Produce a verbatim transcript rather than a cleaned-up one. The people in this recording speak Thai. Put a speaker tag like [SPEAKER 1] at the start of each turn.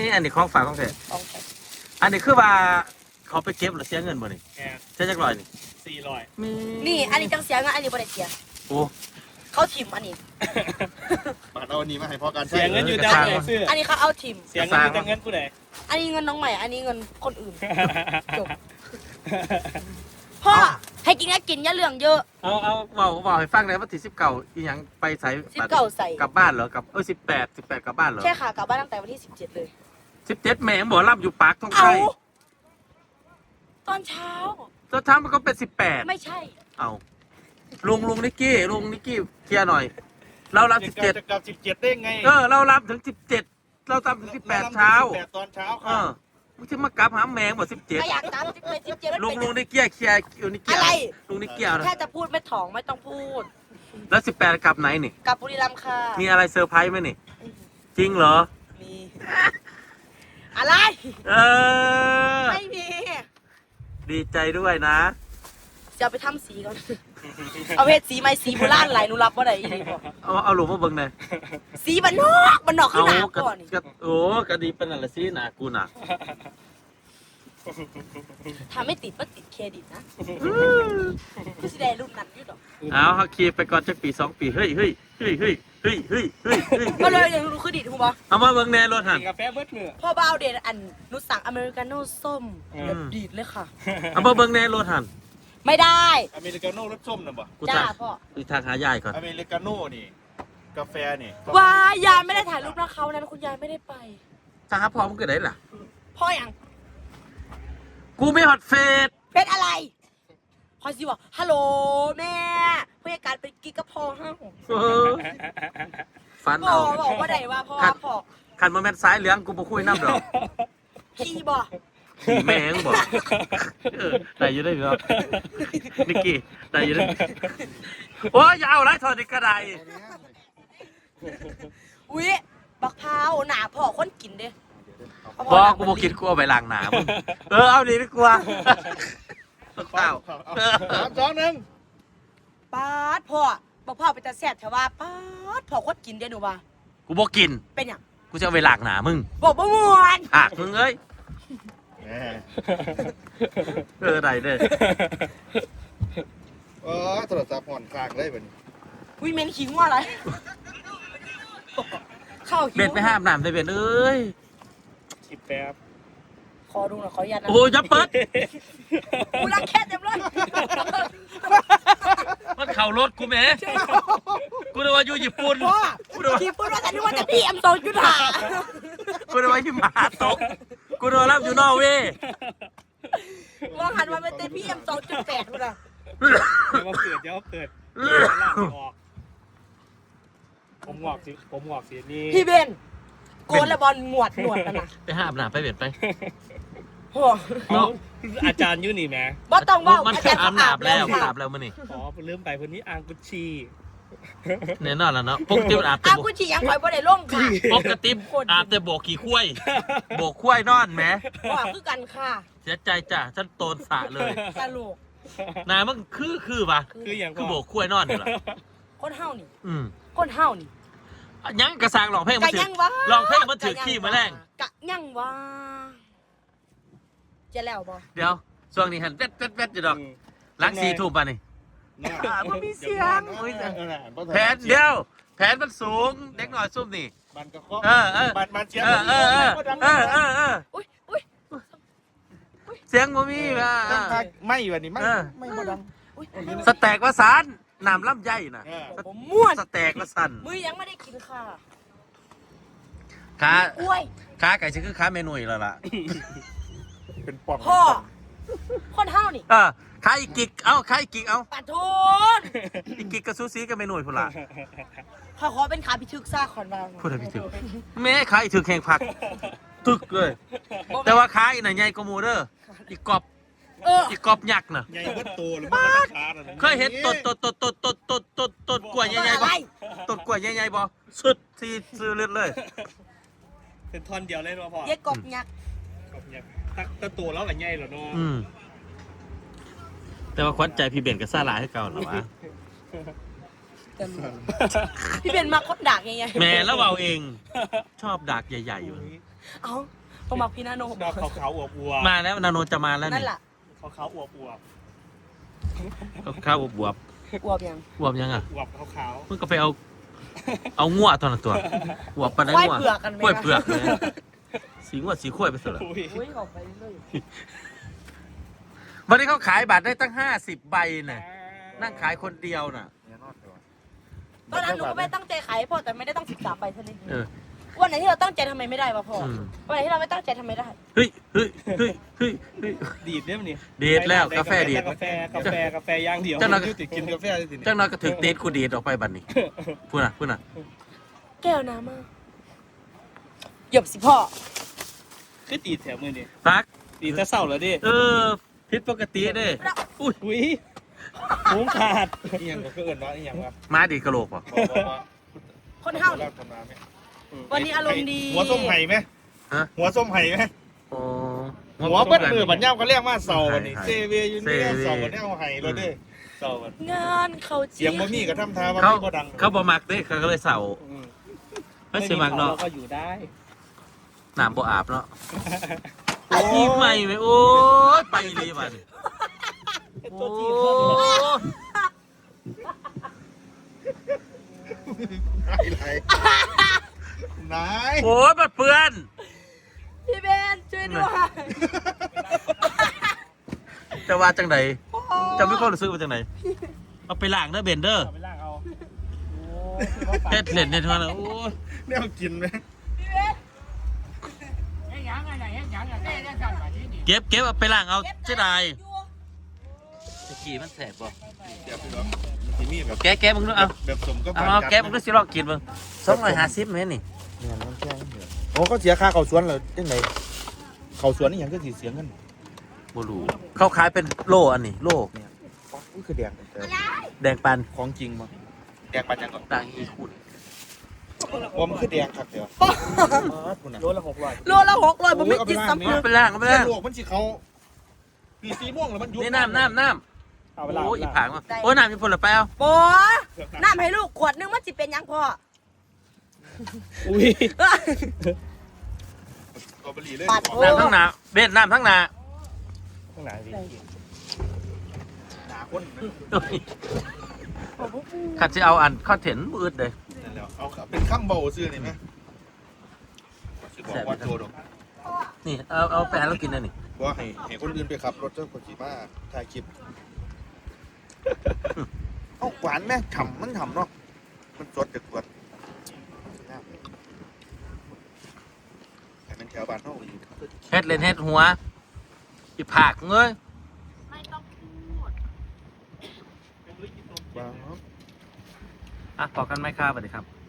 [SPEAKER 1] อันนี้ของฝากของแท้
[SPEAKER 2] ของแท้
[SPEAKER 1] อันนี้คือว่าเขาไปเก็บหรือเสียเงินบ่นี่
[SPEAKER 3] แก
[SPEAKER 1] เสียจักร้อยนี่
[SPEAKER 3] สี่ร้อย
[SPEAKER 1] มี
[SPEAKER 2] นี่อันนี้จังเสียเงินอันนี้บ่ได้เสีย
[SPEAKER 1] โอ้
[SPEAKER 2] เขาทิมอันนี้
[SPEAKER 4] ปาดเอาอันนี้มาให้พอกัน
[SPEAKER 3] เสียเงินอยู่แต่ไหนซื้อ
[SPEAKER 2] อันนี้เขาเอาทิม
[SPEAKER 3] เสียเงินอยู่แต่เงินผู้ใด
[SPEAKER 2] อันนี้เงินน้องใหม่อันนี้เงินคนอื่นจบพ่อให้กินก็กินอย่าเรื่องเยอะ
[SPEAKER 1] เอาเอาเว้าเว้าให้ฟังได้ว่าที่สิบเก้าอีหยังไปใส่
[SPEAKER 2] สิบเก้าใส่
[SPEAKER 1] กลับบ้านเหรอกลับเอ้ยสิบแปด สิบแปดกลับบ้านเหรอ
[SPEAKER 2] ใช่ค่ะกลับบ้านตั้งแต่วันที่สิบเจ็ดเลย
[SPEAKER 1] สิบเจ็ดแม่งบ่รับอยู่ปากท้อง
[SPEAKER 2] เอา
[SPEAKER 1] ไข่
[SPEAKER 2] ตอนเช้า
[SPEAKER 1] ตอนเช้ามันก็เป็นสิบแปด
[SPEAKER 2] ไม่ใช่
[SPEAKER 1] เอาลุงลุงนิกกี้ลุงนิกกี้เคลียร์หน่อย เรารับสิบเจ็ด
[SPEAKER 4] จะกลับสิบเจ็ดได้ไง
[SPEAKER 1] เออเรารับถึงสิบเจ็ดเราทำถึงสิบแปดเช้า
[SPEAKER 4] สิบแปดตอนเช้า
[SPEAKER 1] เอ
[SPEAKER 4] ค่ะ
[SPEAKER 1] อมึงจะมากลับหาแมงบ่สิบเจ็ด
[SPEAKER 2] ก็อยากตามสิบเจ็ดสิบเจ็ด
[SPEAKER 1] ลุงลุงนิกกี้เคลียร์ลุงนิกกี้
[SPEAKER 2] อะไร
[SPEAKER 1] ลุงนิกกี้เอานะ
[SPEAKER 2] แค่จะพูดไม่ถ่องไม่ต้องพูด
[SPEAKER 1] แล้วสิบแปดกลับไหนนี่
[SPEAKER 2] กลับบุรีรัมย์ค่ะ
[SPEAKER 1] มีอะไรเซอร์ไพรส์ไหมนี่ จริงเหรอ
[SPEAKER 2] มีอะไร
[SPEAKER 1] เออ
[SPEAKER 2] ไม่มี
[SPEAKER 1] ดีใจด้วยนะ
[SPEAKER 2] จะเอาไปทำสีก่อน เอาเพชรสีไหมสีโบราณไหลหนูรับว่าไหนอีกบอก
[SPEAKER 1] เอาเอาหลุมมาเบิ่งหน่อย
[SPEAKER 2] สีบันนอกบันนอกขึ้
[SPEAKER 1] เอา
[SPEAKER 2] นหนาก
[SPEAKER 1] ระ
[SPEAKER 2] ก่อนนี่
[SPEAKER 1] กระโอ้กระดีเป็นอะไรสิหนากูน่ะ
[SPEAKER 2] ทำไม่ติดมันติดเครดิตนะคือสีแดงรุ่นนั้นอยี่ดอก
[SPEAKER 1] เอาฮักคีไปก่อนจักปีสองปีเฮ้ยเฮ้ยเฮ้ยเฮ้ยเฮ้ยเฮ้ยเฮ้ยเฮ้ย
[SPEAKER 2] ก็เลยอย่างรู้คือดิดถูกปะ
[SPEAKER 1] เอามาเบิ่งแน่รถหัน
[SPEAKER 3] กินกาแฟเบิดมือ
[SPEAKER 2] พ่อบ้าวเดนอันนุสั่งอเมริกาโน่ส้ม
[SPEAKER 3] อืม
[SPEAKER 2] แบบดีดเลยค่ะ
[SPEAKER 1] เอามาเบิ่งแน่รถหัน
[SPEAKER 2] ไม่ได้
[SPEAKER 4] อเมริกาโน่รสส้มนะบ่
[SPEAKER 1] กู
[SPEAKER 2] จ้า
[SPEAKER 1] ทาง
[SPEAKER 2] พ่อ
[SPEAKER 1] กูทางหายายก่อน
[SPEAKER 4] อเมริกาโน่นี่ กาแฟนี่
[SPEAKER 2] วายยายไม่ได้ถ่ายรูปนะเขานั้นคุณยายไม่ได้ไป
[SPEAKER 1] ทางหาพอมึงเกิดได้ล่ะ
[SPEAKER 2] พ่ออย่าง
[SPEAKER 1] กูไม่ฮอตเฟส
[SPEAKER 2] เป็นอะไรพอสิบอกฮัลโหลแม่ผู้จัดการเป็นกิ๊กกับพ่อห้า
[SPEAKER 1] เออฟัน
[SPEAKER 2] พ่อ
[SPEAKER 1] เอา
[SPEAKER 2] บอกว่าไหนว่าพ่อพ่อ
[SPEAKER 1] คันมาแม่นซ้ายเหลืองกูบ่คุยน้ำดอก
[SPEAKER 2] พี่บอก
[SPEAKER 1] ขี่แม่งบอกเออได้อยู่ได้อยู่ครับนิกกี้ได้อยู่ได้โอ้ยอย่าเอาไรถอดอีกกระได
[SPEAKER 2] อุ๊ยบักพร้าวหนาพ่อคนกินเด้
[SPEAKER 1] บอกกูบอกคิดกูเอาไปล้างหนามึงเออเอาดีดีกว่าเปล่า
[SPEAKER 4] สามสองหนึ่ง
[SPEAKER 2] ป๊าดพ่อบักพร้าวเป็นตาแซ่บแถวว่าป๊าดพ่อคนกินเด้หนูว่า
[SPEAKER 1] กูบอกกิน
[SPEAKER 2] เป็นอย่าง
[SPEAKER 1] กูจะเอาไปล้างหนามึง
[SPEAKER 2] บอกบ่ม่วน
[SPEAKER 1] หักมึงเอ้ย
[SPEAKER 4] แหม
[SPEAKER 1] เออได้เด้อ
[SPEAKER 4] เออโทรศัพท์ห่อนคลางเลยแบบนี้
[SPEAKER 2] วิเมนขิงว่าอะไรเข้าหิว
[SPEAKER 1] เบ็ดไปห้ามน้ำได้เบ็ดเอ้ย
[SPEAKER 3] สิบแป๊บ
[SPEAKER 2] ขอดูหน่อยขออนุญาตนะ
[SPEAKER 1] โอ้ยอย่าเปิด
[SPEAKER 2] กูรักแค่เต็มเลย
[SPEAKER 1] มันเข่ารถกูแหม่กูนึกว่าอยู่ญี่ปุ่น
[SPEAKER 2] พ่อขี่พูดว่าแต่นึกว่าจะพี่เอ็มโซจุดหา
[SPEAKER 1] กูนึกว่าหิมะตกกูนึกว่ารับอยู่นอร์เวย์
[SPEAKER 2] มองหันมาเป็นเต็มพี่เอ็มโซจุดแปดกูนะ
[SPEAKER 3] เดี๋ยวมาเปิดเดี๋ยวมาเปิดเดี๋ยวมาลากออกผมงอกสิผมงอกสินี่
[SPEAKER 2] พี่เบนโกนและบอลหนวดหนวดกันนะ
[SPEAKER 1] ไปห้ามน้ำไปเบ็ดไป
[SPEAKER 2] โอ้
[SPEAKER 3] เขาอาจารย์อยู่นี่แหม
[SPEAKER 2] บ่ต้องว่า
[SPEAKER 1] มัน
[SPEAKER 2] อา
[SPEAKER 1] เคย
[SPEAKER 2] จารย์
[SPEAKER 1] อาบน้ำแล้ว
[SPEAKER 2] ค่ะ
[SPEAKER 1] อาบแล้วมันนี่
[SPEAKER 3] อ๋อลืมไปคนนี้อ่างกุชชี
[SPEAKER 1] แน่นอนแล้วเนาะปกติมันอาบแต่
[SPEAKER 2] อา
[SPEAKER 1] โบ
[SPEAKER 2] กูฉียังคอยบ่ได้ล่งค่ะ
[SPEAKER 1] ปกติอาบแต่โบกขี้คุ้ยโบกคุ้ยนอนแหม
[SPEAKER 2] ว่าคือกันค่ะ
[SPEAKER 1] เสียใจจ้ะฉันโตนสระเลย
[SPEAKER 2] ตลก
[SPEAKER 1] นายมันคือคือปะ
[SPEAKER 3] คืออย่าง
[SPEAKER 1] คือโบกคุ้ยนอนอยู่ล่ะ
[SPEAKER 2] คนเฮานี่
[SPEAKER 1] อืม
[SPEAKER 2] คนเฮานี่
[SPEAKER 1] ยังกระซังหลองเพลง
[SPEAKER 2] กะ
[SPEAKER 1] มาถื
[SPEAKER 2] ยังวะ
[SPEAKER 1] ลองเพลงมาถือขี้มาแรง
[SPEAKER 2] กะยังวะจะแล้วบ่
[SPEAKER 1] เดี๋ยวช่วงนี้หันเวดเวดเวดอยู่ดอกหลังสี่ทุ่มป่ะนี่
[SPEAKER 4] น่า
[SPEAKER 1] อ่ามันมีเสียง
[SPEAKER 4] เออน่ะ
[SPEAKER 1] แผนเดียว แผนมันสูงเด็กหน่อยซุ่มนี่
[SPEAKER 4] มันก็เคาะ
[SPEAKER 1] เออเออ
[SPEAKER 4] มันมันเชียร์
[SPEAKER 1] เออเออเออเออเออเออ
[SPEAKER 2] อุ้ยอุ้ย
[SPEAKER 1] เสียงบ่มีว่ะ
[SPEAKER 4] ไม่วันนี้ไม่
[SPEAKER 1] เออ
[SPEAKER 4] ไม่บ่ดัง
[SPEAKER 2] อุ้ย
[SPEAKER 1] สแต็กวาสานน้ำลำไยน่ะ
[SPEAKER 4] เออ
[SPEAKER 2] ผมม่วน
[SPEAKER 1] สแต็กวาสัน
[SPEAKER 2] มือยังไม่ได้กินค่ะ
[SPEAKER 1] ขา
[SPEAKER 2] กล้วย
[SPEAKER 1] ขาไก่ชื่อคือขาเมนูอีกแล้วล่ะ
[SPEAKER 4] เป็นปอม
[SPEAKER 2] พ่อคนเฮานี่
[SPEAKER 1] เออขาอีกกิกเอ้าขาอีกกิกเอ้า
[SPEAKER 2] ปะทุน
[SPEAKER 1] อีกกิกกับซูซีกับเมนูพุ่นล่ะ
[SPEAKER 2] ขอขอเป็นขาพิทึกซ่าขอนบาง
[SPEAKER 1] พูดอะไรพี่ถึกแม่ขาอีกถึกแข่งผักตึกเลย แต่ว่าขาอีกน่ะใหญ่กว่าหมูเด้ออีกกอบ
[SPEAKER 2] เออ
[SPEAKER 1] อีกกอบยักษ์น่ะ
[SPEAKER 4] ใหญ่เบิดโตหรือมันก็ขาด
[SPEAKER 1] เคยเห็นต้นต้นต้นต้นต้นต้นต้นต้นกล้วยใหญ่ๆบ่ต้นกล้วยใหญ่ๆบ่สุดที่ซื้อเลือดเลย
[SPEAKER 3] เป็นท่อนเดียวเลยมาพอ
[SPEAKER 2] เย็ดกบยักษ์
[SPEAKER 3] กบเนี่ยตักตะตัวแล้วหละใหญ่เหรอเนาะ
[SPEAKER 1] อืมแต่ว่าควัญใจพี่เบนกับซาลาให้เก่าหรอวะ
[SPEAKER 2] แต่รู้พี่เบนมาคนดักยังไง
[SPEAKER 1] แม่แล้วเอาเอง ชอบดักใหญ่ๆอยู่
[SPEAKER 2] เอ้าต้องมาพี่นาโน
[SPEAKER 3] ดอกขาวๆอวบ
[SPEAKER 1] มาแล้วนาโนจะมาแล้ว
[SPEAKER 2] นั่
[SPEAKER 1] นี่
[SPEAKER 2] นแหละ
[SPEAKER 3] ๆขาวๆอวบ
[SPEAKER 1] ข้าวบวบ
[SPEAKER 2] อวบยัง
[SPEAKER 1] บวบยังอ่ะ
[SPEAKER 3] ๆอวบขาว
[SPEAKER 1] มึงก็ไปเอา เอางัวตัวนั้นตัวบวบปานได้
[SPEAKER 2] ควาย
[SPEAKER 1] งัว
[SPEAKER 2] เผือกกันไหม
[SPEAKER 1] กล้วยเผือกเลยสีงัวสีข้วยไปสุดละ
[SPEAKER 3] ๆอุ้ย
[SPEAKER 2] อุ้ยออกไปเรื่อย
[SPEAKER 1] วันนี้เขาขายบัตรได้ตั้งห้าสิบใบน่ะนั่งขายคนเดียวน่ะ
[SPEAKER 2] ตอนนั้นหนูก็ไม่ตั้งใจขายให้พ่อแต่ไม่ได้ตั้งสิบสามใบเท่านั้นเอ
[SPEAKER 1] เอง อ
[SPEAKER 2] วันไหนที่เราตั้งใจทำไมไม่ได้วะพ่อ
[SPEAKER 1] อืม
[SPEAKER 2] วันไหนที่เราไม่ตั้งใจทำไมได้
[SPEAKER 1] เฮ้ยเฮ้ยเฮ้ยเฮ้ยเฮ้ย
[SPEAKER 3] ดีดได้ไหมนี่
[SPEAKER 1] ดีดแล้วกาแฟดีด
[SPEAKER 3] กาแฟกาแฟกาแฟย่างเดียว
[SPEAKER 1] เจ้าหน้า
[SPEAKER 4] ยุติกินกาแฟได้สิ
[SPEAKER 1] จังน้อยก็ถึงเดทกูดีดออกไปบัตรนี้พูดน่ะพูดน่ะ
[SPEAKER 2] แก้วน้ำมากหยบสิพ่อ
[SPEAKER 3] คือตีดแถวมือนี่
[SPEAKER 1] พัก
[SPEAKER 3] ตีดจะเศร้าแล้วดิ
[SPEAKER 1] เออผิดปกติเด้อุ้ย
[SPEAKER 3] อุ้ยหูขาด
[SPEAKER 4] อีหยังก็คือเอิ้นว่าอีหยังวะ
[SPEAKER 1] มาดีดกระโหลกป่ะ
[SPEAKER 4] บอกบอกว่า
[SPEAKER 2] คนเฮา
[SPEAKER 4] เราทำมาไหม
[SPEAKER 2] วันนี้อารมณ์ดี
[SPEAKER 4] หัวส้มไห่ไหม
[SPEAKER 1] ฮะ
[SPEAKER 4] หัวส้มไห่ไหม
[SPEAKER 1] โอ้
[SPEAKER 4] หัวเปิดมือบัญญัติก็เรียกว่าเสาวันนี้
[SPEAKER 1] ไห่
[SPEAKER 4] เซเวียอยู่เนี่ยเสาวันนี้เอาไห่เราเด้อเสาวัน
[SPEAKER 2] งานเขา
[SPEAKER 4] เสียงบ่มีกับทำทาว่า
[SPEAKER 1] เขา
[SPEAKER 4] มีบ่ดัง
[SPEAKER 1] เขาบ่มักเด้เขาก็เลยเศร้า
[SPEAKER 3] อืม
[SPEAKER 1] ไม่ใช่มักเนาะ
[SPEAKER 3] เราก็อยู่ได้
[SPEAKER 1] น้ำบ่อาบเนาะไอ้ที่ใหม่ไหมโอ้ยไปเลยบัดนี้
[SPEAKER 3] เป็น
[SPEAKER 1] โอ้
[SPEAKER 3] ตัวจีน
[SPEAKER 4] ไหนไหน
[SPEAKER 1] โอ้ยบัดเปื้อน
[SPEAKER 2] พี่เบนช่วยด้วย
[SPEAKER 1] จะว่าจังไดจะไม่ค่อยรู้สึกว่าจังไดเอาไปล้างเด้อเบนเดอร์
[SPEAKER 3] เอาไปล่างเอาโอ้
[SPEAKER 1] เฮ็ดเล่นเฮ็ดเท่านั้นโอ้ย
[SPEAKER 4] เนี่ยเอากินไหม
[SPEAKER 1] เก็บเก็บเอาไปล้างเอาเสียดายตะกี้มันแสบบ่
[SPEAKER 4] เดี๋ยวไปลองมันสิมีแบบ
[SPEAKER 1] แกะแกะมึงดูเอา
[SPEAKER 4] แบบสมก็
[SPEAKER 1] เอาเอาแกะมึงดูสิลองกินมึงสองร้อยห้าสิบเมตรนี่
[SPEAKER 4] เนี่ยน้ำแข็งเดือดโอ้ก็เสียค่าเขาสวนเหรอจังไหนเขาสวนนี่ยังก็สิเสียเงิน
[SPEAKER 1] บ่รู้เขาขายเป็นโลอันนี้โล
[SPEAKER 4] เนี่ยอ๋อนี่คือแดงแต่
[SPEAKER 1] แดงปัน
[SPEAKER 4] ของจริงมั้งแดงปันยังก็
[SPEAKER 1] ต่างอีคุณ
[SPEAKER 4] ว่ามันคือแดงครับเดี๋ยวคุณน่ะ
[SPEAKER 3] โลละหกร้อย
[SPEAKER 2] โลละหกร้อยผมไม่กินซ้ำ
[SPEAKER 1] เอาไปล้างเอาไป
[SPEAKER 4] แม่
[SPEAKER 1] ล้าง
[SPEAKER 4] ลวกมันสิเขาปีสีม่วงแล้วมันยุบ
[SPEAKER 1] นี่น้ำน้ำน้
[SPEAKER 3] เอา
[SPEAKER 1] ำ
[SPEAKER 3] ไปล่าง
[SPEAKER 1] โอ้ยอีผางมาโอ้ยน้ำมีผลหรือเปล่า
[SPEAKER 2] โอ้น้ำให้ลูกขวดนึงมันจะเป็นยังพ่อ
[SPEAKER 3] อุ้ย
[SPEAKER 4] กอบลีเลย
[SPEAKER 2] ปัดโอ้
[SPEAKER 1] น้ำทั้งหนาเบ็ดน้ำทั้งหนา
[SPEAKER 3] ข้างหลังดิ
[SPEAKER 4] หนาคน
[SPEAKER 1] ขัดจะเอาอันข้อเห็นมืดเลย
[SPEAKER 4] นั่นแหละเอาเป็นข้ามเบาซื้อนี่ไหมสิบอกว่าโจดอก
[SPEAKER 1] นี่เอาเอาแฟนเรากินเลยนี่
[SPEAKER 4] ว่าให้ให้คนอื่นไปขับรถเจ้าคนขี่มาถ่ายคลิปเอ้าหวานไหมฉ่ำมันฉ่ำเนาะมันสดจากสวนให้มันแถวบ้านเท่าอยู่
[SPEAKER 1] เฮ็ดเล่นเฮ็ดหัวอีผากเงย
[SPEAKER 4] ว้าว
[SPEAKER 1] อ่ะพอกันไหมครับสวัสดีครับ